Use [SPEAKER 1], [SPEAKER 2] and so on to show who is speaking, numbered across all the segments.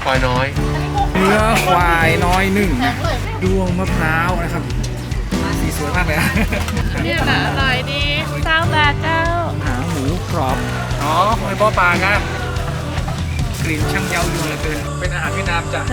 [SPEAKER 1] ควายน้อย
[SPEAKER 2] เนื้อควายน้อยหนึ่งดวงมะพร้าวนะครับสีสวยมากเลย
[SPEAKER 3] เนี่ยแหละอร่อยดีเจ้าแบบเจ้า
[SPEAKER 2] หางหมูกรอบอ๋อหอยบ่อปลาครับกลิ่นช่างเย้ายวนเหลือเกินเป็นอาหารเวียดนามจ้ะ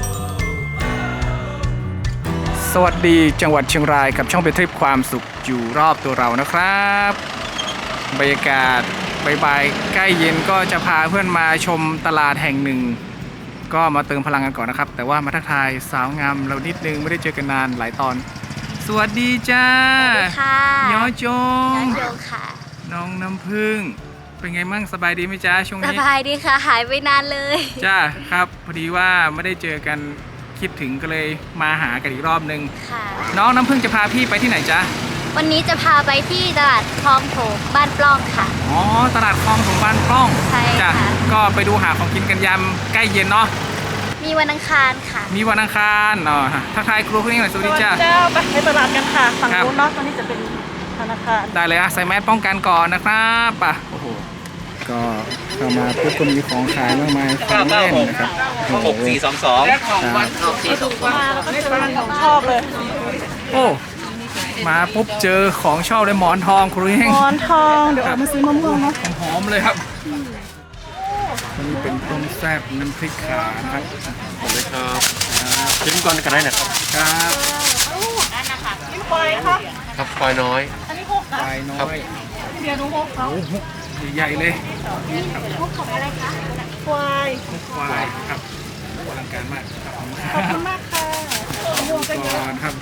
[SPEAKER 2] สวัสดีจังหวัดเชียงรายกับช่องไปทริปความสุขอยู่รอบตัวเรานะครับบรรยากาศบ่ายๆใกล้เย็นก็จะพาเพื่อนมาชมตลาดแห่งหนึ่งก็มาเติมพลังกันก่อนนะครับแต่ว่ามาทักทายสาวงามเรานิดนึงไม่ได้เจอกันนานหลายตอนสวัสดีจ้า
[SPEAKER 4] ค่ะ
[SPEAKER 2] ย้อจง
[SPEAKER 4] ค่ะ
[SPEAKER 2] น้องน้ำพึ่งเป็นไงมั่งสบายดีไหมจ้าช่วงนี้
[SPEAKER 4] สบายดีค่ะหายไปนานเลย
[SPEAKER 2] จ้าครับพอดีว่าไม่ได้เจอกันคิดถึงก็เลยมาหากันอีกรอบนึงน้องน้ำพึ่งจะพาพี่ไปที่ไหนจ๊ะ
[SPEAKER 4] วันนี้จะพาไปที่ตลาดคลองโถมบ้านปล้องค่ะ
[SPEAKER 2] อ๋อตลาดคลองโถมบ้านปล้อง
[SPEAKER 4] ใช่
[SPEAKER 2] จ้ะก็ไปดูหาของกินกันยามใกล้เย็นเนาะ
[SPEAKER 4] มีวันอังคารค่ะ
[SPEAKER 2] มีวันอังคารอ๋อทักทายครูคุณนี่หน่อยสวัสดีจ้า
[SPEAKER 3] ไปตลาดกันค่ะฝั่งนู้นเนาะตอนนี้จะเป็นธนาคาร
[SPEAKER 2] ได้เลยใส่แมสป้องกันก่อนนะครับป่ะโอ้โหก็เข้ามาปุ๊บก็มีของขายมากมายของเล่นนะครับ
[SPEAKER 1] 6422และของวัน
[SPEAKER 3] 6422มาแล้วก็เจอของชอบเลย
[SPEAKER 2] โอ้มาปุ๊บเจอของชอบเลยหมอนทองครูเอง
[SPEAKER 3] หมอนทองเดี๋ยวเอามาซื้อมะม่วงเนาะ
[SPEAKER 2] หอมเลยครับวันนี้เป็นต้มแซ่บน้ำพริกขาครับ
[SPEAKER 1] ขอบคุณครับชิมก่อนกันได้นะครับ
[SPEAKER 2] ครับ
[SPEAKER 3] นั่นนะคะกินควายครับ
[SPEAKER 1] ครับควายน้อย
[SPEAKER 3] อันนี้6นะ
[SPEAKER 2] ควายน้อย
[SPEAKER 3] เบียร์นุ๊กเขา
[SPEAKER 2] โอ้โหใหญ่เลย
[SPEAKER 4] มุกของอะไรคะ
[SPEAKER 3] ควาย
[SPEAKER 2] ครับอลังการมาก
[SPEAKER 3] ขอบคุณมากค่ะ
[SPEAKER 2] ก่อนครับ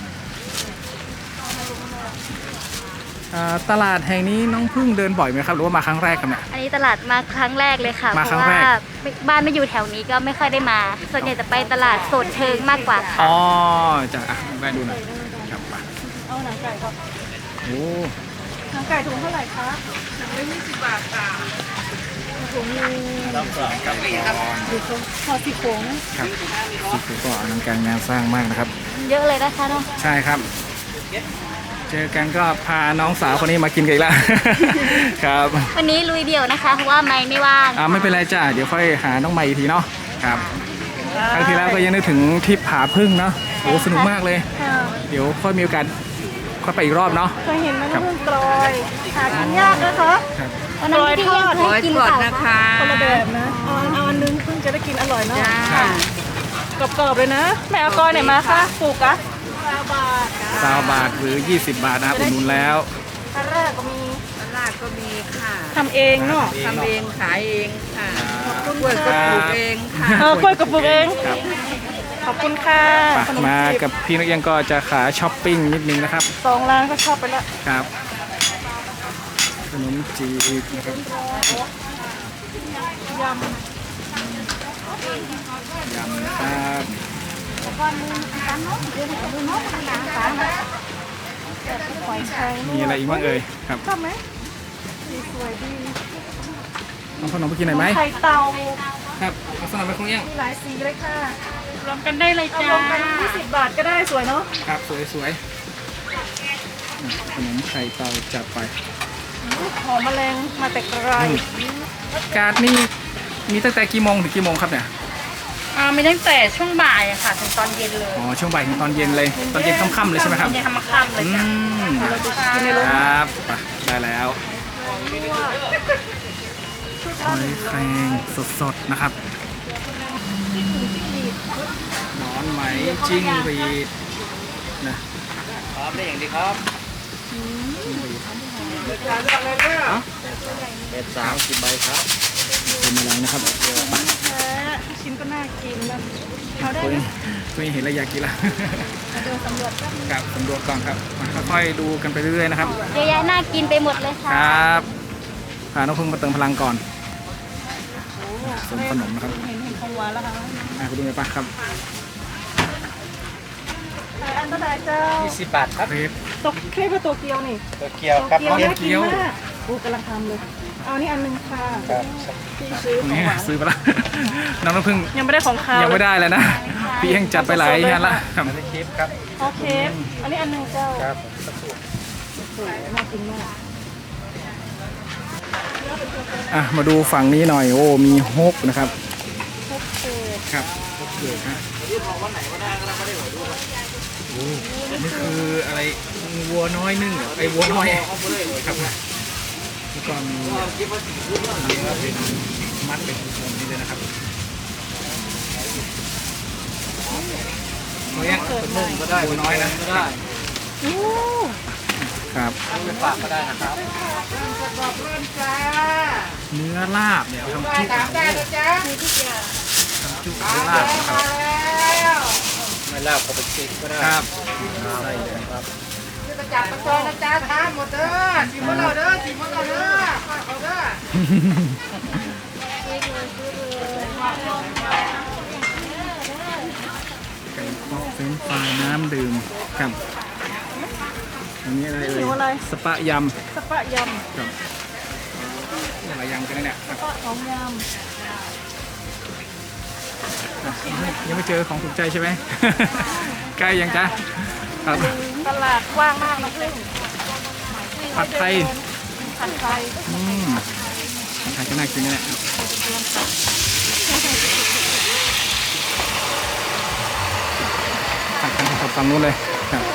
[SPEAKER 2] ตลาดแห่งนี้น้องพึ่งเดินบ่อยไหมครับหรือว่ามาครั้งแรกกันเนี่ย
[SPEAKER 4] อันนี้ตลาดมาครั้งแรกเลยค่ะ
[SPEAKER 2] มาครั้งแรก
[SPEAKER 4] บ้านไม่อยู่แถวนี้ก็ไม่ค่อยได้มาส่วนใหญ่จะไปตลาดโซนเชิงมากกว่าค่ะ
[SPEAKER 2] อ๋อจ้ะแวะดูหน่อยครับไป
[SPEAKER 3] เอาหนังไก่ครับ
[SPEAKER 2] โอ้
[SPEAKER 3] หนังไก่ถุงเท่าไหร่คะถุงละ20 บาทค่ะถุงนึง
[SPEAKER 2] กับ
[SPEAKER 3] ดูพอสี่โค้งนะครับ
[SPEAKER 2] สี่โค้งก็อลังการงานสร้างมากนะครับ
[SPEAKER 4] เยอะเลยนะคะน้อง
[SPEAKER 2] ใช่ครับเจอกันก็พาน้องสาวคนนี้มากินกันอีกแล้วครับ
[SPEAKER 4] วันนี้ลุยเดี่ยวนะคะเพราะว่าไม่ว่าง
[SPEAKER 2] ไม่เป็นไรจ้าเดี๋ยวค่อยหาน้องใหม่อีกทีเนาะครับครั้งที่แล้วก็ยังนึกถึงทริปผาพึ่งเนาะโอ้สนุกมากเลยเดี๋ยวค่อยมีโอกาสค่อยไปอีกรอบเนาะ
[SPEAKER 3] เคยเห็นไหมน้ำพึ่งกลอยหากินยากนะคะ
[SPEAKER 4] วันนั้นที่ยังเคยกินก่อน
[SPEAKER 3] นะคะคนละแบบนะเอาอันนึงเพิ่งจะได้กินอร่อยเนาะกรอบๆเลยนะแม่เอากลอยไหนมาคะปลูกอะ
[SPEAKER 2] 20 บาทหรือ20 บาทนะครับอุดหนุนแล้ว
[SPEAKER 3] ตลาดก็มีค่ะทำเองเนาะ
[SPEAKER 5] ทำเองขายเองค่ะกล้วยก็ปลูกเองค่ะ
[SPEAKER 3] กล้วยก็ปลูกเองขอบคุณค่ะ
[SPEAKER 2] มากับพี่นักเรียนก็จะขาช้อปปิ้งนิดนึงนะครับ
[SPEAKER 3] 2 ร้านก็ชอบไปแล้ว
[SPEAKER 2] ครับขนมจีบนะครับ
[SPEAKER 3] ยำ
[SPEAKER 2] ครับมีอะไรอีกบ้างเอ่ยครับ
[SPEAKER 3] ชอบไหมสวยดี
[SPEAKER 2] น้องขนมไปกินหน่อยไหม
[SPEAKER 3] ไข่เต่า
[SPEAKER 2] ครับเอาสลับไปคงยัง
[SPEAKER 3] มีหลายสีเลยค่ะ
[SPEAKER 5] รวมกันได้เลยจ้ารวม
[SPEAKER 3] กัน20 บาทก็ได้สวยเนาะ
[SPEAKER 2] ครับสวยขนมไข่เต่าจัดไป
[SPEAKER 3] หอมแมลงมาแต่ไกล
[SPEAKER 2] การ์ดนี่มีตั้งแต่กี่โมงถึงกี่โมงครับเนี่ย
[SPEAKER 5] มีตั้งแต่ช่วงบ่ายค่ะถึงตอนเย็นเลย
[SPEAKER 2] อ๋อช่วงบ่ายถึงตอนเย็นเลยตอนเย็นค่ำๆเลยใช่ไหมครับ
[SPEAKER 5] เย็นค่ำๆเลย
[SPEAKER 2] ครับได้แล้วหอยแครงสดๆนะครับหนอนไหมจิ้งหรีดนะ
[SPEAKER 1] พร้อมได้อย่างดีครับเป็น30 ใบครับ
[SPEAKER 2] เป็นอะไรนะครับ
[SPEAKER 3] ชิ้นก็น่ากินแล้ว
[SPEAKER 2] คุยเห็นแล้วอยากกินละครับสำรวจก่อนครับค่อยๆดูกันไปเรื่อยๆนะครับ
[SPEAKER 4] เยอะแยะน่ากินไปหมดเลยค่ะ
[SPEAKER 2] ครับพาน้องพึ่งมาเติมพลังก่อนสมขนมนะครับ
[SPEAKER 3] เห็นของหวานแล้วค่ะ
[SPEAKER 2] คุณดูหน่อยป่ะครับ
[SPEAKER 3] อันตรายเจ้า
[SPEAKER 1] 20 บาทครับ
[SPEAKER 3] ตกเครปโตเกียวนี่
[SPEAKER 1] โตเกียวครับ
[SPEAKER 3] เกียวกำลังทำเลยเอานี่อันนึงค่ะพี่ซื้อของหวาน
[SPEAKER 2] ซื้อไปละน้องน้ำพึ่ง
[SPEAKER 3] ยังไม่ได้ของข้าว
[SPEAKER 2] ยังไม่ได้เลยนะพี่ยังจัดไปหลายอย่างละครับ
[SPEAKER 1] อันนี้คลิปครับ
[SPEAKER 3] โอเคอันนี้อันนึงเจ้า
[SPEAKER 1] ครับ
[SPEAKER 3] สวยน่ากินมาก
[SPEAKER 2] มาดูฝั่งนี้หน่อยโอ้มีฮกนะครับ
[SPEAKER 3] ฮกเศษ
[SPEAKER 2] ครับครบเกิดนะโอ้นี่คืออะไรวัวน้อยนึ่งเหรอไอ้วัวน้อยครับแล้วก็มีเป็นมัดเป็นพวงนี่เลยนะครับเขายังนุ่มก็ได้วัวน้อยนะได้ ครับ
[SPEAKER 1] ไปฝากก็ได้นะครับ
[SPEAKER 2] เนื้อลาบเนี่ยทำจุกทำจุกเนื้อลาบครับ
[SPEAKER 1] ไม่ลาบก็ไปชิมก็ได้
[SPEAKER 2] ครับ
[SPEAKER 1] ใส่เลยครับ
[SPEAKER 5] จับมาซอยนะจ๊ะทานหมดเด้อชิมเราเด้อชิมเราเด้อเอาเด้อ
[SPEAKER 2] ไก่เคาะเฟรนช์ฟรายน้ำดื่มครับอันนี้อะไรเอ่
[SPEAKER 3] หิวอะไร
[SPEAKER 2] ยสปะย
[SPEAKER 3] สปะย
[SPEAKER 2] ำครับนี่อะไรยำกันเนี่ยครับ
[SPEAKER 3] ำสปะของย
[SPEAKER 2] ยังไม่เจอของถูกใจใช่ไหม ใกล้ยังจ๊ะครับ
[SPEAKER 3] ำตลาดกว้างมากนะพึ่ง
[SPEAKER 2] ผัดไทย
[SPEAKER 3] ผัดไทย
[SPEAKER 2] ผัดไทยก็น่ากินนะเนี่ยผัดกันกับฝั่งนู้นเลยครับ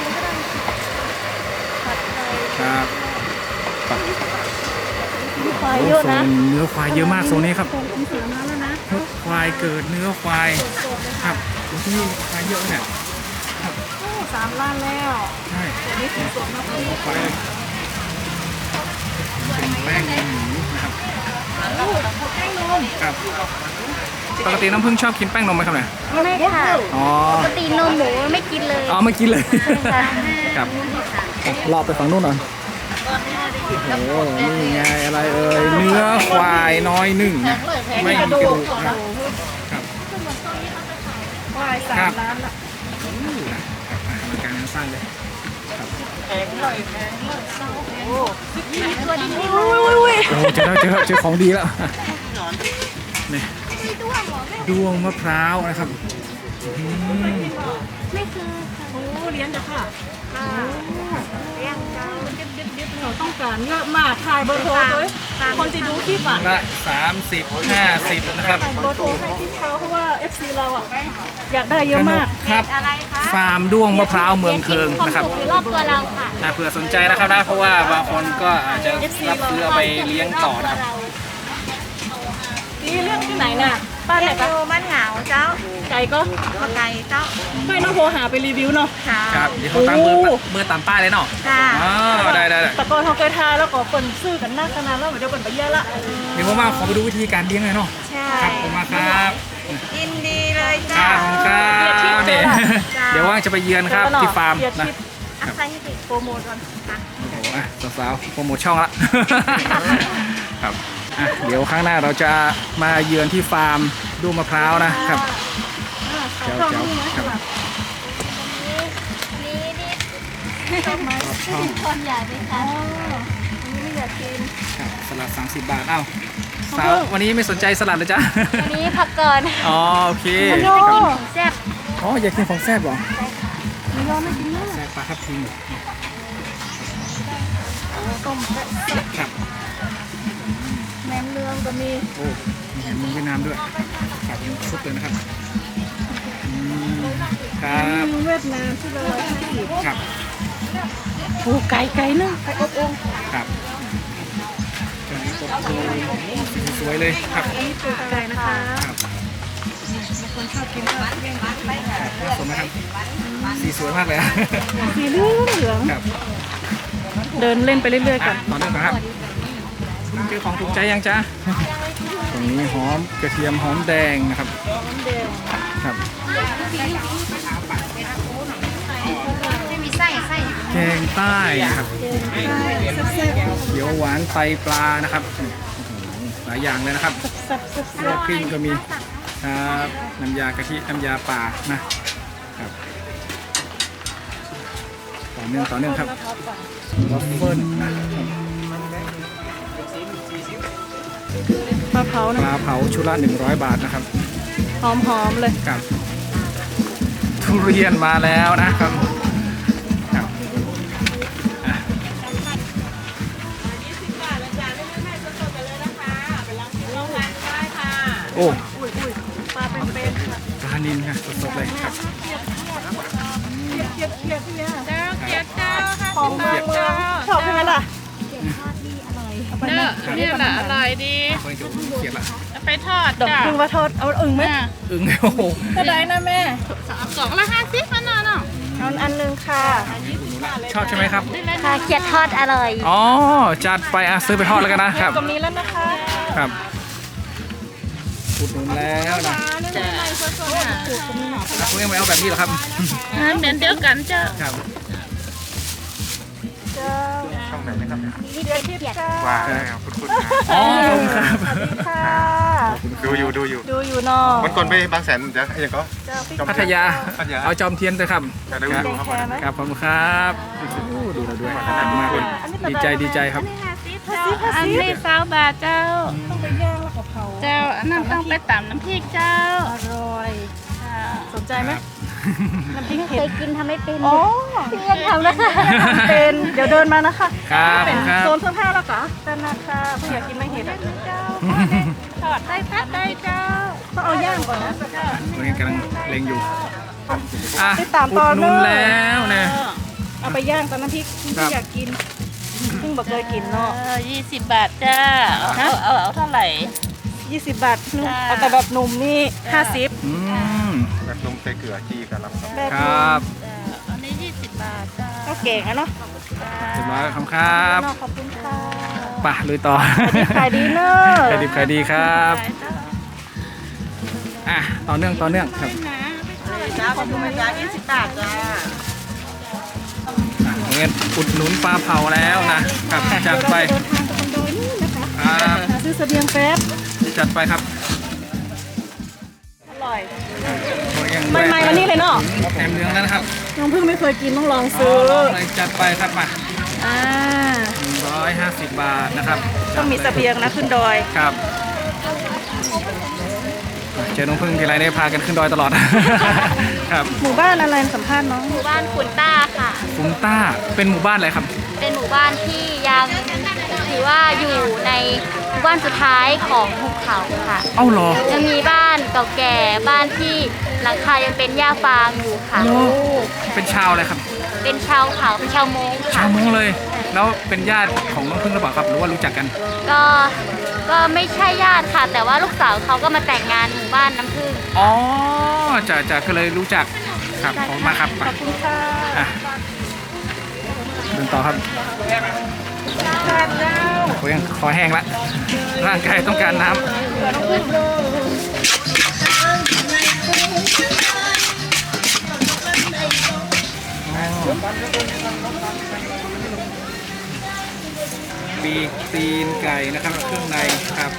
[SPEAKER 2] ครับ
[SPEAKER 3] ควายเยอะนะ
[SPEAKER 2] โซเนื้อควายเยอะมากโซนนี้ครับ
[SPEAKER 3] มีเสียงมาแล้วนะ
[SPEAKER 2] เนื้อควายเกิดเนื้อควายครับที่นี่ควายเยอะเนี่ย
[SPEAKER 3] โอ้3 ล้านแล้ว
[SPEAKER 2] ใช่
[SPEAKER 3] เดี๋ยวนี้สีสดนะพี่
[SPEAKER 2] ควายเป็นแป้งหมูนะครับ
[SPEAKER 3] แป้งนม
[SPEAKER 2] ครับปกติน้ำผึ้งชอบกินแป้งนมไหมครับเนี่ย
[SPEAKER 4] ไม่ค่ะ
[SPEAKER 2] อ๋อ
[SPEAKER 4] ปกตินมหมูไม่กินเลย
[SPEAKER 2] อ๋อไม่กินเลย
[SPEAKER 4] ค่ะ
[SPEAKER 2] ครับรอไปฝั่งนู้นหน่อยโอ้นี่ไงอะไรเอ่ยเนื้อควายน้อยนึ่งนะไม่มีกระดูกนะครับครับ
[SPEAKER 3] ควาย
[SPEAKER 2] ครับ
[SPEAKER 3] 3 ล้านละ
[SPEAKER 2] มาการงานสร้างเลย
[SPEAKER 4] ตัวนี้ไม่
[SPEAKER 3] อุ้ยอุ้ยอุ้ย
[SPEAKER 2] โอ้เจอแล้วเจอของดีแล้วนี่ด้วงมะพร้าวนะครับอืม
[SPEAKER 4] ไม่คือ
[SPEAKER 3] โอ้เลี้ยงจ้ะค่ะเราต้องการเยอะมากถ่ายเบอร์โทรเลยคนจะดูคลิปอ่ะ
[SPEAKER 2] ละ30-50นะครับ
[SPEAKER 3] ถ่ายเบอร์โทรให้ที่เขาเพราะว่า FC เราอ่ะอยากได้เยอะมาก
[SPEAKER 2] ครับ
[SPEAKER 4] อะไรคะ
[SPEAKER 2] ฟาร์มด้วงมะพร้าวเมืองเคิงนะครับ
[SPEAKER 4] อยู่รอบตัวเราค่ะ
[SPEAKER 2] เผื่อสนใจนะครับนะเพราะว่าบางคนก็อาจจะรับซื้อเอาไปเลี้ยงต่อนะครับ
[SPEAKER 3] นี่เรื่องที่ไหนน่ะป้าไหนปะ
[SPEAKER 4] บ้านเหงาเจ้า
[SPEAKER 3] ไก่ก็
[SPEAKER 4] มาไก่เจ้า
[SPEAKER 3] ไม่ต้องโทรหาไปรีวิวเนาะ
[SPEAKER 4] ค่ะ
[SPEAKER 2] ครับเดี๋ยวเขาตามเบอร์ตามป้ายเลยเนาะ
[SPEAKER 4] ค่ะ
[SPEAKER 2] อ๋อได้
[SPEAKER 3] แต่ก่อนเขาเคยทายแล้วก็เปิ่นซื้อกันหน้าขนาดแล้วเดี๋ยวเปิ่นไปเยอะละ
[SPEAKER 2] เดี๋ยวผมมาขอไปดูวิธีการเลี้ยงหน่อยเนาะ
[SPEAKER 4] ใช่
[SPEAKER 2] ครับผมมาครับ
[SPEAKER 4] ยินดีเลย
[SPEAKER 2] ค
[SPEAKER 4] จ้า
[SPEAKER 2] รับผมครับเนี่ยเดี๋ยวว่างจะไปเยือนครับที่ฟาร์ม
[SPEAKER 3] เดี๋ยว
[SPEAKER 2] นะ
[SPEAKER 3] ทิป
[SPEAKER 4] อาศัยให้ติดโปรโมทก่อนค่ะ
[SPEAKER 2] โอ้โหอ่ะสาวๆโปรโมทช่องละ ครับอ่ะเดี๋ยวครั้งหน้าเราจะมาเยือนที่ฟาร์มด้วงมะพร้าวนะครับเจ้าครับ
[SPEAKER 4] นี่
[SPEAKER 2] ชอบช่อง
[SPEAKER 4] คนอยากไหมคะ
[SPEAKER 3] ไม่อยากกิน
[SPEAKER 2] ครับสลัด30 บาทเอ้าสาววันนี้ไม่สนใจสลัดเลยจ้ะ
[SPEAKER 4] วันนี้พักก่อน
[SPEAKER 2] อ๋อโอเค
[SPEAKER 3] โย
[SPEAKER 2] ครับ
[SPEAKER 4] แซ่บ
[SPEAKER 2] อ๋ออยากกินของแซ่บเหรอ
[SPEAKER 3] มียอไม่กินมาก
[SPEAKER 2] แซ่บปลาทับทิม
[SPEAKER 3] ต้มแซ่บ
[SPEAKER 2] ครับ
[SPEAKER 3] แหนมเนืองก็มี
[SPEAKER 2] โอ้มีแหนมเมืองเวียดนามด้วยครับยังชุบเลยนะครับอืมครับ
[SPEAKER 3] เมืองเวียดนามที่เรา150
[SPEAKER 2] ครับ
[SPEAKER 3] โอ้ไก่นึ่งไก่อบโอ่ง
[SPEAKER 2] ครับเครื่องนี้ตบโอ้สีสวยเลยครับ
[SPEAKER 3] อันนี้ตูดไก่นะคะ
[SPEAKER 2] ครับ
[SPEAKER 3] บางคนชอบกินก็เลี่ยง
[SPEAKER 2] สวยไหมครับสีสวยมากเลยอะ
[SPEAKER 3] สีเหลือง
[SPEAKER 2] ครับ
[SPEAKER 3] เดินเล่นไปเรื่อยๆกั
[SPEAKER 2] อ่ะ
[SPEAKER 3] น
[SPEAKER 2] ต่อเนื่องก่อนครับเจอของถูกใจยังจ๊ะตรงนี้หอมกระเทียมหอมแดงนะครับครับ
[SPEAKER 4] ไม่มีไส้ไส้
[SPEAKER 2] แกงใต้ครับเขียวหวานไตปลานะครับโอ้โหหลายอย่างเลยนะครับ
[SPEAKER 3] แซ่บ
[SPEAKER 2] ลวกกลิ้งก็มีครับน้ำยากะทิน้ำยาป่านะครับต่อเนื่องครับวัฟเฟิลนะครับ
[SPEAKER 3] ปลาเผา
[SPEAKER 2] ป
[SPEAKER 3] นะ
[SPEAKER 2] ลาเผาชุดละ100 บาทนะครับ
[SPEAKER 3] หอมๆเลย
[SPEAKER 2] ครับทุเรียนมาแล้วนะครับครับอ่ะโอ้
[SPEAKER 3] อุ้ยปลาเป็นๆค่ะ
[SPEAKER 2] นินค่ะสดๆเลยครับ
[SPEAKER 3] เกียดที่เนี่ย
[SPEAKER 5] เจ้าเกียรติเจ้าค่ะ
[SPEAKER 3] ของเมืองชอบใช่ไหมล่ะ
[SPEAKER 5] เนี่ยแหละอร่อยดี
[SPEAKER 2] เพิ่งจะเขียนละ
[SPEAKER 5] เอาไปทอด
[SPEAKER 3] ดอก
[SPEAKER 5] จ้ะ
[SPEAKER 3] พึ่งว่าทอดเอาอึ่งไหม
[SPEAKER 2] อึ้งโอ้โห
[SPEAKER 3] ก็ได้นะแม่
[SPEAKER 5] กล่องละ50มันน่ะเนาะ
[SPEAKER 3] เอาอันนึงค่ะ
[SPEAKER 2] ชอบใช่ไหมครับ
[SPEAKER 4] ค่ะเขียดทอดอร่อย
[SPEAKER 2] อ๋อจัดไปซื้อไปทอดแล้วกันนะครับ
[SPEAKER 3] ตรงนี้แล้วนะคะ
[SPEAKER 2] ครับอุดหนุนแล้วนะ
[SPEAKER 5] จ้ะ
[SPEAKER 2] คุณยังไม่เอาแบบนี้เหรอครับ
[SPEAKER 5] เหมือนเดียวกันเจ้า
[SPEAKER 2] ครับ
[SPEAKER 3] เจ้า
[SPEAKER 6] ช่องไหนนะครับ
[SPEAKER 3] มีเดือนที่ค่ะ
[SPEAKER 6] ว่าแล้วคุณ
[SPEAKER 2] อ๋อขอบคุณครับ
[SPEAKER 3] สวัสดีค่ะ
[SPEAKER 6] ดูอยู่
[SPEAKER 3] ดูอยู่เนอะ
[SPEAKER 6] วันก่อนไปบางแสนจะยังก็
[SPEAKER 3] เจ้าพี่
[SPEAKER 2] พัทยา
[SPEAKER 6] พัทยา
[SPEAKER 2] เอาจอมเทียนเลยครับ
[SPEAKER 6] จะได้ดูครับ
[SPEAKER 3] แคร์ไหม
[SPEAKER 2] ครับขอบคุณครับโอ้ดูเราด้วยมากเลยดีใจครับ
[SPEAKER 5] อันนี้20 บาทเจ้า
[SPEAKER 3] ต้องไปย่างแล้วก็เผา
[SPEAKER 5] เจ้าอันนั้นต้องไปตำน้ำพริกเจ้า
[SPEAKER 3] อร่อย สนใจไหมน้ำพริก
[SPEAKER 4] เค
[SPEAKER 3] เผ็ด
[SPEAKER 4] ยกินทำไม่เป็น
[SPEAKER 3] อ๋อ
[SPEAKER 4] พี่ยังทำนะคะ
[SPEAKER 3] เป็นเดี๋ยวเดินมานะคะ
[SPEAKER 2] ครับ
[SPEAKER 3] เป็น
[SPEAKER 2] ครับ
[SPEAKER 3] โซนเสื้อผ้าแล้วก็ด้านหน้าค่ะเพื่ออยากกินไม่เห็ดอ่ะเจ้าทอดได้พัดได้เจ้าต้องเอาย่างก่อนนะ
[SPEAKER 2] ตัวนี้กำลังเล็งอยู่อ่ะ
[SPEAKER 3] ติดตาม
[SPEAKER 2] อุ
[SPEAKER 3] ต
[SPEAKER 2] ด
[SPEAKER 3] อน
[SPEAKER 2] หนุนแล้วนะ
[SPEAKER 3] เอาไปย่างตอนน้ำพริกที่
[SPEAKER 2] ครับ
[SPEAKER 3] อยากกินเพิ่งบอกเคยกินเนาะ
[SPEAKER 5] 20 บาทจ้าเอาเท่าไหร่
[SPEAKER 3] 20 บาทนุ่ม
[SPEAKER 5] จ้า
[SPEAKER 3] เอาแต่แบบหนุ่มนี่50
[SPEAKER 2] อืม
[SPEAKER 6] แบบนมใส่เกลือจีกับลำ
[SPEAKER 3] แบบ
[SPEAKER 2] ค
[SPEAKER 3] นุ่
[SPEAKER 2] รั
[SPEAKER 3] ม
[SPEAKER 2] บ
[SPEAKER 5] อันนี้20 บาทจ้า
[SPEAKER 3] ก็เก่งอะเนาะ
[SPEAKER 2] เรียบร้อยครับครับ
[SPEAKER 3] เนาะขอบคุณค่ะ
[SPEAKER 2] ไปลุยต่อ
[SPEAKER 3] ขายดีเนอะ
[SPEAKER 2] ขายดีขายดีครับอ่ะต่อเนื่องครับ
[SPEAKER 3] จ้าขอบคุณจ้า20 บาทจ้า
[SPEAKER 2] อ่ะเงินอุดหนุนปลาเผาแล้วนะครับจัดไป
[SPEAKER 3] เดินทางไปคอนโดนี่นะคะ
[SPEAKER 2] ครับ
[SPEAKER 3] หาซื้อเสบียงแป๊บ
[SPEAKER 2] จัดไปครับ
[SPEAKER 3] อร่อย
[SPEAKER 2] ยัง
[SPEAKER 3] ใหม่ๆวันนี้เลยเนาะ
[SPEAKER 2] แหนมเนืองแล้วนะครับ
[SPEAKER 3] น้องเพิ่งไม่เคยกินต้องลอง
[SPEAKER 2] อ๋
[SPEAKER 3] ซื้
[SPEAKER 2] อ
[SPEAKER 3] อ
[SPEAKER 2] ลองเลยจัดไปครับมา
[SPEAKER 3] อ่า
[SPEAKER 2] 150 บาทนะครับ
[SPEAKER 3] ต้องมีเสบียงนะขึ้นดอย
[SPEAKER 2] ครับเจอน้องพึ่งทีไรได้พากันขึ้นดอยตลอด ครับ
[SPEAKER 3] หมู่บ้านอะไรสัมภาษณ์น้อง
[SPEAKER 4] หมู่บ้านขุนต้าค่ะ
[SPEAKER 2] ฟุงต้าเป็นหมู่บ้านอะไรครับ
[SPEAKER 4] เป็นหมู่บ้านที่ยังถือว่าอยู่ในหมู่บ้านสุดท้ายของภูเขาค่ะ
[SPEAKER 2] เอ้าเหรอ
[SPEAKER 4] ยังมีบ้านเก่าแก่บ้านที่หลังคายังเป็นหญ้าฟางอยู่ค่ะ
[SPEAKER 2] โอ้เป็นชาวอะไรครับ
[SPEAKER 4] เป็นชาวเขาเป็นชาวมงค่ะ
[SPEAKER 2] ชาวมงเลย แล้วเป็นญาติของน้องพึ่งหรือเปล่าครับ หรือว่ารู้จักกัน
[SPEAKER 4] ก็ไม่ใช่ญาติค่ะ แต่ว่าลูกสาวเขาก็มาแต่งงานหมู่บ้านน้ำผึ้ง
[SPEAKER 2] อ๋อจะก็เลยรู้จักครับขอบคุณมากครับ
[SPEAKER 3] ขอบคุณค่ะ
[SPEAKER 2] อ่ะเดินต่อครับ
[SPEAKER 3] ทานเจ้า
[SPEAKER 2] โอ้ยยังคอแห้งละร่างกายต้องการน้ำปีกตีนไก่นะครับเครื่องในครับ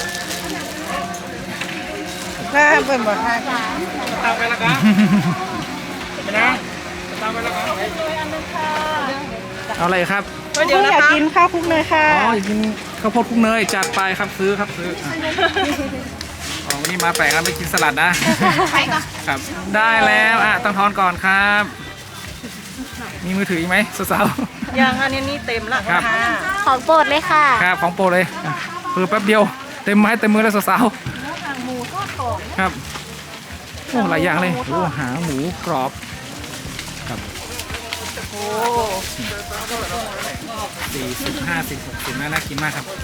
[SPEAKER 3] น่าเป็นแบบทาน
[SPEAKER 2] ตามไปแล้วครับนะตามไปแล้วครับเอาอะไรครับ
[SPEAKER 3] เดี๋ยวอยากกินข้าวคลุกเนยค่ะ
[SPEAKER 2] อ๋ออยากกินข้าวโพดคลุกเนยจัดไปครับซื้อครับซื้ออ่ะอ๋อวันนี้มาแปลกครับไม่กินสลัดนะครับได้แล้วอ่ะต้องทอนก่อนครับ มีมือถืออีกไหมสาว
[SPEAKER 3] ยังอันนี้เต็มละ
[SPEAKER 2] ครับ
[SPEAKER 3] ค่ะ
[SPEAKER 4] ของโปรดเลยค่ะ
[SPEAKER 2] ๆครับของโปรเลยอ่ะเพิ่แป๊บเดียวเต็มไม้เต็มมือแล้วสาว
[SPEAKER 3] หางหมูทอดกรอบ
[SPEAKER 2] ๆครับโอ้หลายอย่างเลยโอ้หางหมูกรอบครับ
[SPEAKER 3] โอ้
[SPEAKER 2] 40 50 60น่ากินมากครับ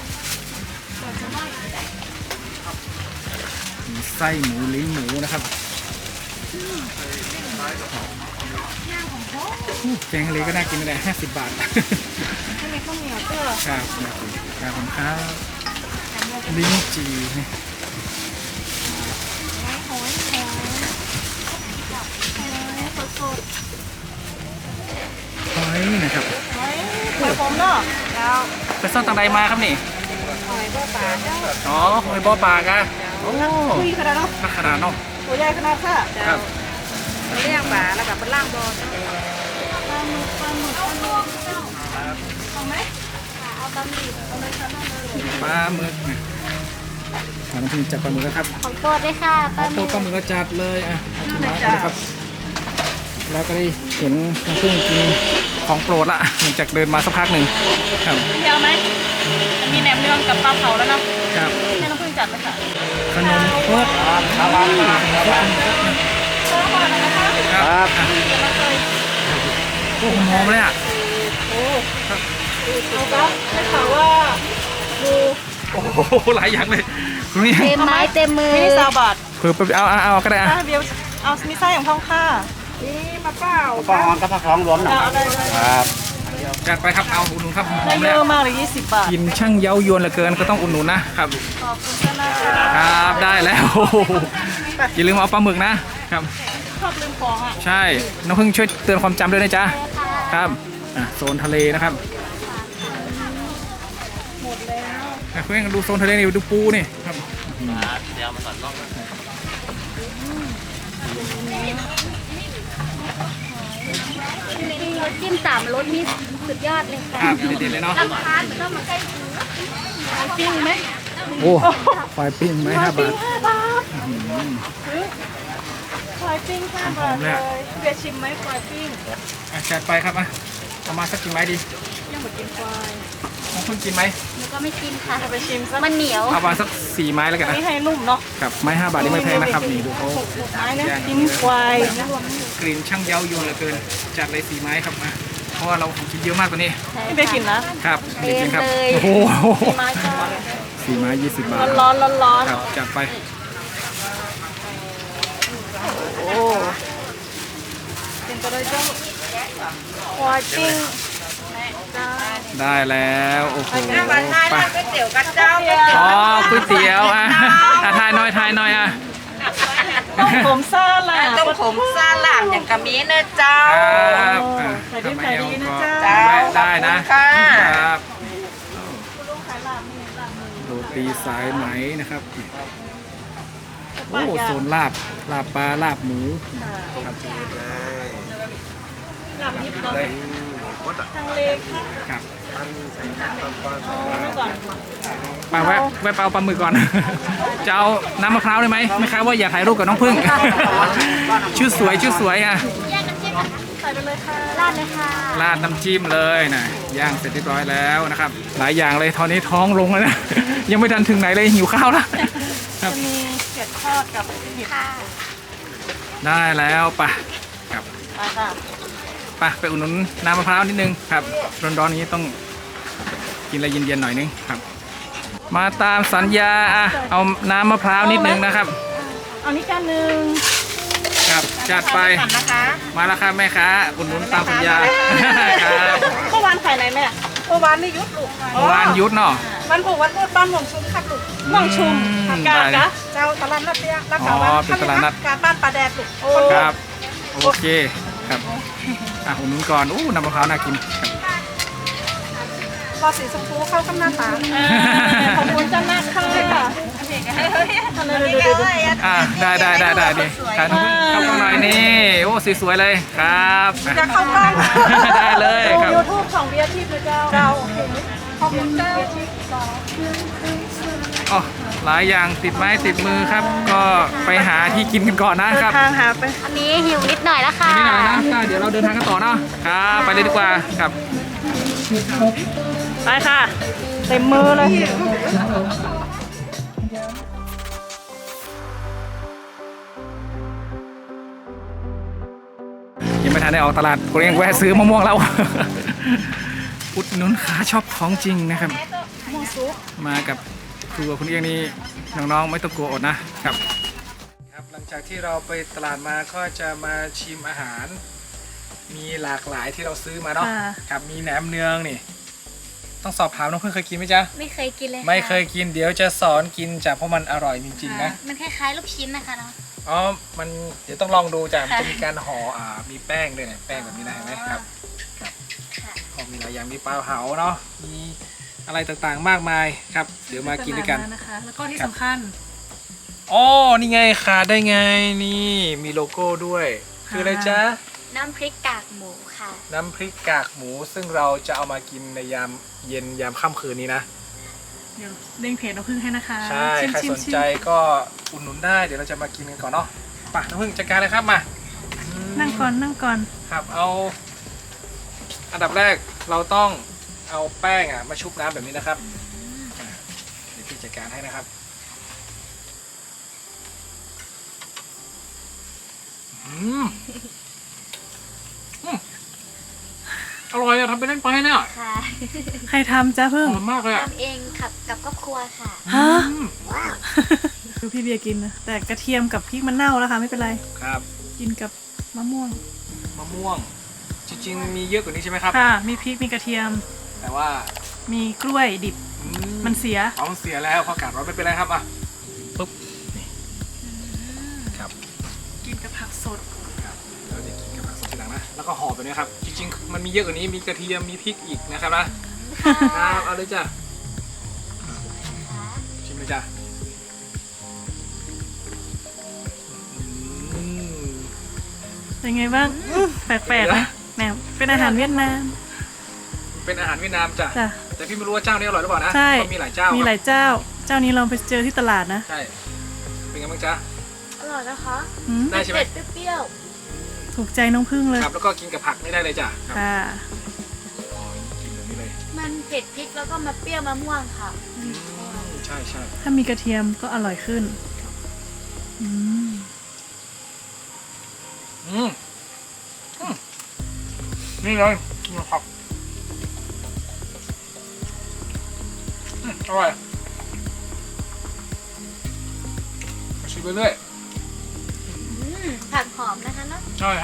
[SPEAKER 2] มีไส้หมูลิ้นหมูนะครับแกงทะเลก็น่ากินไม่ได้50 บาท
[SPEAKER 3] ไม่มีข้าวเหนียวเจ้า
[SPEAKER 2] ครับครับผมครับลิ้นจี่นี่หอยนะครับ
[SPEAKER 3] หอยผมเนาะแล้ว
[SPEAKER 2] ไปซ่อนตังใดมาครับนี่
[SPEAKER 3] หอยบ่อปลาเจ้า
[SPEAKER 2] อ๋อหอยบ่อปลากะโอ้
[SPEAKER 3] คุยขนาดเนาะ
[SPEAKER 2] นักขนาดเนาะ
[SPEAKER 3] ตัวใหญ่ขนาดค่ะ
[SPEAKER 2] ครับ
[SPEAKER 3] เลี้ยงปลาแล้วกับเป็นล่างบ่อเอาไหม
[SPEAKER 2] ปลาหมึกนะน้ำพึ่งจัดปลาหมึกแล้วครับ
[SPEAKER 4] ของโปรดเลยค่ะป้า
[SPEAKER 2] โตปลาหมึกก็จัดเลยอ่ะเอาที่มาเลยครับ แล้วก็ได้เห็นน้ำพึ่งกินของโปรดละหลังจากเดินมาสักพักหนึ่งครับ
[SPEAKER 3] เดียวไหมมีแหนมเนืองกับปลาเผาแล้วเนาะ
[SPEAKER 2] ครับ
[SPEAKER 3] ให้น้องพึ่งจัดเลยค่ะ
[SPEAKER 2] ขนมครก
[SPEAKER 1] ครับ
[SPEAKER 2] ครับโอ้โหหอมเลยอ่ะ
[SPEAKER 3] เอาครับได้ข่าวว่าดู
[SPEAKER 2] โอ้โหหลายอย่างเลยคุณนี่
[SPEAKER 4] เต็มไม้เต็มมือ
[SPEAKER 3] มินิซาบาท
[SPEAKER 2] เผื่อไปเอาก็ได้อ่ะ
[SPEAKER 3] เดียวเอามิไส้ของท้องค่ะนี่มาเปล่า
[SPEAKER 1] ปองกับผักท้องรวมหน่อย
[SPEAKER 3] เอาได้
[SPEAKER 1] ครับ
[SPEAKER 2] จัดไปครับเอาอุดหนุนครับหอ
[SPEAKER 3] ได้
[SPEAKER 2] ม
[SPEAKER 3] เย
[SPEAKER 2] เลย
[SPEAKER 3] อะมากเลย20 บาท
[SPEAKER 2] กินช่างเย้ายวนเหลือเกินก็ต้องอุดหนุนนะครับ
[SPEAKER 3] ขอบคุณค่ะนะคะ
[SPEAKER 2] ครับได้แล้วโอ้โหอย่าลืมเอาปลาหมึกนะครับ
[SPEAKER 3] ชอบลืมของอ่ะ
[SPEAKER 2] ใช่น้องพึ่งช่วยเตือนความจำด้วยนะจ๊ะครับโซนทะเลนะครับหมดแล้วเพื่อนดูโซนทะเลนี่ดูปูนี่ครับ
[SPEAKER 1] เดี๋ยวมาสอนน้อง
[SPEAKER 4] รสจิ้ม3รสนี่สุดยอดเลยค่ะ
[SPEAKER 2] ครับเด็ดๆเลยเนาะ
[SPEAKER 4] ลำพานเหมือนต้องมาใกล้ถึง
[SPEAKER 3] ปิ้งไหม
[SPEAKER 2] โอ้ควายปิ้งไหม5 บาท
[SPEAKER 3] 5 บาทควายปิ้ง5 บาทเลยเบียร์ชิมไหมควายปิ้ง
[SPEAKER 2] จัดไปครับเอามาสักกี่ไม้ดี
[SPEAKER 3] ยังหมดกินควาย
[SPEAKER 2] น้องพึ่งกินไหม
[SPEAKER 4] หนูก็ไม่กินค่ะ
[SPEAKER 3] เอาไปชิมซะ
[SPEAKER 4] มันเหนียว
[SPEAKER 2] เอามาสัก4 ไม้แล้วกัน
[SPEAKER 3] อัน
[SPEAKER 2] นะ
[SPEAKER 3] นี้ให้นุ่มเนาะ
[SPEAKER 2] ครับไม้5 บาทนี่ไม่แพงนะครับนี่ดูเขา
[SPEAKER 3] ไม้นะกินควาย
[SPEAKER 2] กลิ่นช่างเย้ายวนเหลือเกินจัดเลย4 ไม้ครับมาเพราะว่าเราของกินเยอะมากกว่านี้
[SPEAKER 3] นี่เบียร์กินนะครับ
[SPEAKER 2] เด็กกินครับ
[SPEAKER 4] เต็มเลย
[SPEAKER 2] โอ้โห
[SPEAKER 3] ไม้ก็
[SPEAKER 2] 4 ไม้20 บาท
[SPEAKER 3] ร้อนๆร้อน
[SPEAKER 2] ครับจัดไป
[SPEAKER 3] ๆโอ้กินก็ได้เจ้าควายปิ้งจ้า
[SPEAKER 2] ได้แล้วโอ้โห
[SPEAKER 5] วันหน้า
[SPEAKER 2] ไป
[SPEAKER 5] ก๋วยเตี๋ยวกันเจ้า
[SPEAKER 2] อ๋อก๋วยเตี๋ยวทายหน่อยอ่ะ
[SPEAKER 3] ต้มผมซ่าล่ะ
[SPEAKER 5] ต้มผมซาลามอย่างกะมีเนอะเจ้า
[SPEAKER 2] ครับอ่ะ
[SPEAKER 3] ขายดีขายดีนะจ๊ะ
[SPEAKER 2] ก็ได้นะ
[SPEAKER 5] ขอบคุณค่ะ
[SPEAKER 2] ครับ
[SPEAKER 3] ลุงขายลาบนี่ลาบมือ
[SPEAKER 2] โรตีสายไหมนะครับโอ้โซนลาบปลาลาบหมูครับ
[SPEAKER 3] ลาบยิบเนาะทางเลค่ะ
[SPEAKER 2] ครับ
[SPEAKER 3] เมื่อก่อน
[SPEAKER 2] ไปแวะไปเอาปลาหมึกก่อน จะเอาน้ำมะพร้าวได้ไหมไม่ครับว่าอยากถ่ายรูปกับน้องพึ่ง ชื่อสวยอ่ะ
[SPEAKER 4] แยกน้ำจิ้มนะคะ
[SPEAKER 3] ใส่ไปเลยค่ะ
[SPEAKER 4] ราดเลยค่ะ
[SPEAKER 2] ราดน้ำจิ้มเลยนะย่างเสร็จเรียบร้อยแล้วนะครับ หลายอย่างเลยตอนนี้ท้องลงแล้วนะ ยังไม่ทันถึงไหนเลยหิวข้าวแล้วครับ
[SPEAKER 3] จะมีเกล็ดทอดกับเห็ด
[SPEAKER 4] ค่ะ
[SPEAKER 2] ได้แล้วไปครับ
[SPEAKER 3] ไปค่ะ
[SPEAKER 2] ไปอุดหนุนน้ำมะพร้าวนิดนึงครับร้อนๆนี้ต้องกินอะไรเย็นๆหน่อยนึงครับ มาตามสัญญาอ่ะเอาน้ำมะพร้าวนิดนึงนะครับ
[SPEAKER 3] เอานี่กันหนึ่ง
[SPEAKER 2] ครับจัดไป
[SPEAKER 5] ก่อนนะคะ
[SPEAKER 2] มาแล้วครับแม่ค้าอุดหนุนตามสัญญาครับ
[SPEAKER 3] เมื่อวานขายไหนแม่
[SPEAKER 5] เมื่อวานนี่ยุดลูก
[SPEAKER 2] เมื่อวานยุดเนาะ
[SPEAKER 5] วันผูกวันพูดบ้านหม่องชุมครับลูก
[SPEAKER 3] ม่วงชุม
[SPEAKER 2] อืม
[SPEAKER 3] กา
[SPEAKER 2] ได้
[SPEAKER 3] กะ
[SPEAKER 5] เจ้าตลาดนัดเตี้ยรัก
[SPEAKER 2] อ๋
[SPEAKER 5] ษา
[SPEAKER 2] อ
[SPEAKER 5] วัน
[SPEAKER 2] เป็นตลาดนัด
[SPEAKER 5] การบ้านปลาแดดลูก
[SPEAKER 2] ครับโอเคครับอุดหนุนก่อนอู้น้ำมะพร้าวน่ากินครับ
[SPEAKER 5] รอสีชมพูเข้ากำนันตา
[SPEAKER 3] ขอบคุณเจ้าหน้าค่ะ
[SPEAKER 2] ได้ดิถ่ายน้องพึ่งเข้ากล้องหน่อยนี่โอ้สวยๆเลยครับ
[SPEAKER 5] จะเข้ากล้อง
[SPEAKER 2] ได้เลยครับ
[SPEAKER 3] ยูทูบของเบียร์ทิพย์นะเจ้า
[SPEAKER 5] เจ้าขอบคุณเจ้า
[SPEAKER 2] อ๋อหลายอย่างติดไม้ติดมือครับ ก็ไปหาที่กินกันก่อนนะครับ
[SPEAKER 3] ทางหาไป
[SPEAKER 4] อันนี้หิวนิดหน่อยแล้วค่ะ
[SPEAKER 2] นี่หน่อยนะก็เดี๋ยวเราเดินทางกันต่อเนาะครับไปเลยดีกว่าครับ
[SPEAKER 3] ไปค่ะ เต็มมือเลย
[SPEAKER 2] ยังไม่ทันได้ออกตลาดกูยังแวะซื้อมะม่วงแล้ว อุดหนุนขาชอบของจริงนะครับ มากับครัวคุณเอียงนี่น้องๆไม่ต้องกลัวอดนะครับครับหลังจากที่เราไปตลาดมาก็จะมาชิมอาหาร มีหลากหลายที่เราซื้อมาเนาะ
[SPEAKER 3] อ่า
[SPEAKER 2] ครับมีแหนมเนืองนี่ ต้องสอบถามน้องเพื่อนเคยกินไหมจ๊ะ
[SPEAKER 4] ไม่เคยกินเลยะ
[SPEAKER 2] ไม่เคยกินเดี๋ยวจะสอนกินจ้ะเพราะมันอร่อยจริงๆนะ
[SPEAKER 4] มันคล้ายๆลูกชิ้นนะคะเนาะ
[SPEAKER 2] อ๋อมันเดี๋ยวต้องลองดูจ้ะมัน
[SPEAKER 4] ค่ะ
[SPEAKER 2] จะมีการห่อมีแป้งด้วยเนี่ยแป้งแบบนี้นะเห็นไหมครับครับ
[SPEAKER 4] ค่ะ
[SPEAKER 2] ก็มีหลายอย่างมีปลาเผาเนาะมีอะไรต่างๆมากมายครับ เดี๋ยวมากินด้วยกัน
[SPEAKER 3] นะคะ แล้วก็ที่สำคัญ
[SPEAKER 2] อ๋อนี่ไงขาดได้ไงนี่มีโลโก้ด้วย คืออะไรจ๊ะ
[SPEAKER 4] น้ำพริกกากหมูค่ะ
[SPEAKER 2] น้ำพริกกากหมู ซึ่งเราจะเอามากินในยามเย็นยามค่ำคืนนี้นะ
[SPEAKER 3] เดี๋ยวเด้งเพจน้ำผึ้งให้นะคะ
[SPEAKER 2] ใช่ ใครสนใจก็อุดหนุนได้ เดี๋ยวเราจะมากินกันก่อนเนาะไป่ะน้ำพึ่งจัดการเลยครับมา
[SPEAKER 3] นั่งก่อนนั่งก่อน
[SPEAKER 2] ครับเอาอันดับแรกเราต้องเอาแป้งมาชุบน้ำแบบนี้นะครับเดี๋ยวพี่จะดการให้นะครับอร่อยอะทำไปเล่นไปเนี่ย
[SPEAKER 4] ค่ะ
[SPEAKER 3] ใครทำจ้าพึ่ง
[SPEAKER 2] หอมมากเลยอะ
[SPEAKER 4] ทำเองกับครอบครัวค่ะ
[SPEAKER 3] ฮะดูพี่เบียร์กินนะแต่กระเทียมกับพริกมันเน่าแล้วค่ะไม่เป็นไร
[SPEAKER 2] ครับ
[SPEAKER 3] กินกับมะม่วง
[SPEAKER 2] มะม่วง จริงๆมีเยอะกว่านี้ใช่ไหมครับ
[SPEAKER 3] ค่ะ มีพริกมีกระเทียม
[SPEAKER 2] แต่ว่า
[SPEAKER 3] มีกล้วยดิบ
[SPEAKER 2] อื
[SPEAKER 3] มันเสีย
[SPEAKER 2] เอาเสียแล้วเพราะอากาศร้อนไม่เป็นไรครับอ่ะปุ๊บนี่ครับ
[SPEAKER 3] กินกับผักสด
[SPEAKER 2] ครับเราจะกินกับผักสดทีหลังนะแล้วก็ห่อแบบนี้ครับจริงๆมันมีเยอะกว่านี้มีกระเทียมมีพริกอีกนะครับนะครับเอาเลยจ้ะชิมเลยจ้ะอืม
[SPEAKER 3] เป็นไงบ้างแปลกๆนะแหนมเป็นอาหารเวียดนาม
[SPEAKER 2] เป็นอาหารเวียดนามจ้ะ
[SPEAKER 3] จ้ะ
[SPEAKER 2] แต่พี่ไม่รู้ว่าเจ้านี้อร่อยหรือเปล่านะ
[SPEAKER 3] ใช่
[SPEAKER 2] เพราะมีหลายเจ้า
[SPEAKER 3] มี
[SPEAKER 2] มี
[SPEAKER 3] หลายเจ้า เจ้านี้เราไปเจอที่ตลาดนะ
[SPEAKER 2] ใช่เป็นไงบ้างจ๊ะ
[SPEAKER 4] อร่อยนะคะ
[SPEAKER 3] อืม
[SPEAKER 2] ได้ใช่ไหม
[SPEAKER 4] เผ็ดเปรี้ยว
[SPEAKER 3] ถูกใจน้องพึ่งเลย
[SPEAKER 2] ครับแล้วก็กินกับผักไม่ได้เลยจ้ะครับ
[SPEAKER 3] ค่ะ
[SPEAKER 2] อ๋อกินแบบนี้เลย
[SPEAKER 4] ๆมันเผ็ดพริกแล้วก็มาเปรี้ยวมะม่วงค่ะ
[SPEAKER 2] ใช่ใช่
[SPEAKER 3] ถ้ามีกระเทียมก็อร่อยขึ้นอืม
[SPEAKER 2] อืมอืมนี่เลยนะครับอร่อยชิมไปเรื่อย
[SPEAKER 4] ผักหอมนะคะเนาะ
[SPEAKER 2] ใช่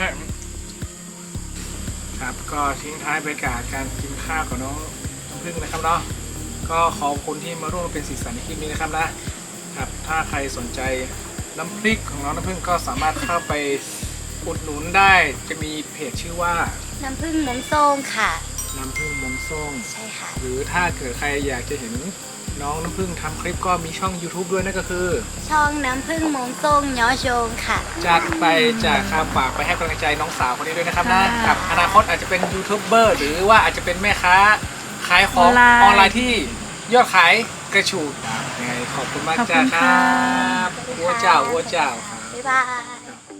[SPEAKER 2] ครับก็ทิ้งท้ายบรรยากาศการกินข้าวของน้องพึ่งนะครับเนาะก็ขอบคุณที่มาร่วมเป็นสีสันในคลิปนี้นะครับนะครับถ้าใครสนใจน้ำพริกของน้องน้ำพึ่งก็สามารถเข้าไปอุดหนุนได้จะมีเพจชื่อว่า
[SPEAKER 4] น้ำผึ้งหมงส้มค่ะ
[SPEAKER 2] น้ำพึ่งมงส้ม
[SPEAKER 4] ใช่ค่ะ
[SPEAKER 2] หรือถ้าเกิดใครอยากจะเห็นน้องน้ำพึ่งทำคลิปก็มีช่อง YouTube ด้วยนั่นก็คือ
[SPEAKER 4] ช่องน้ำผึ้งหมงส้มย้อโจงค่ะ
[SPEAKER 2] จัดไปจากคำฝากไปให้กำลังใจน้องสาวคนนี้ด้วยนะครับนะกับอนาคตอาจจะเป็นยูทูบเบอร์หรือว่าอาจจะเป็นแม่ค้าขายของออนไลน์ที่ยอดขายกระฉูดยังไงขอบคุณมากจ้าครับอัวเจ้าครับ
[SPEAKER 4] บ๊ายบาย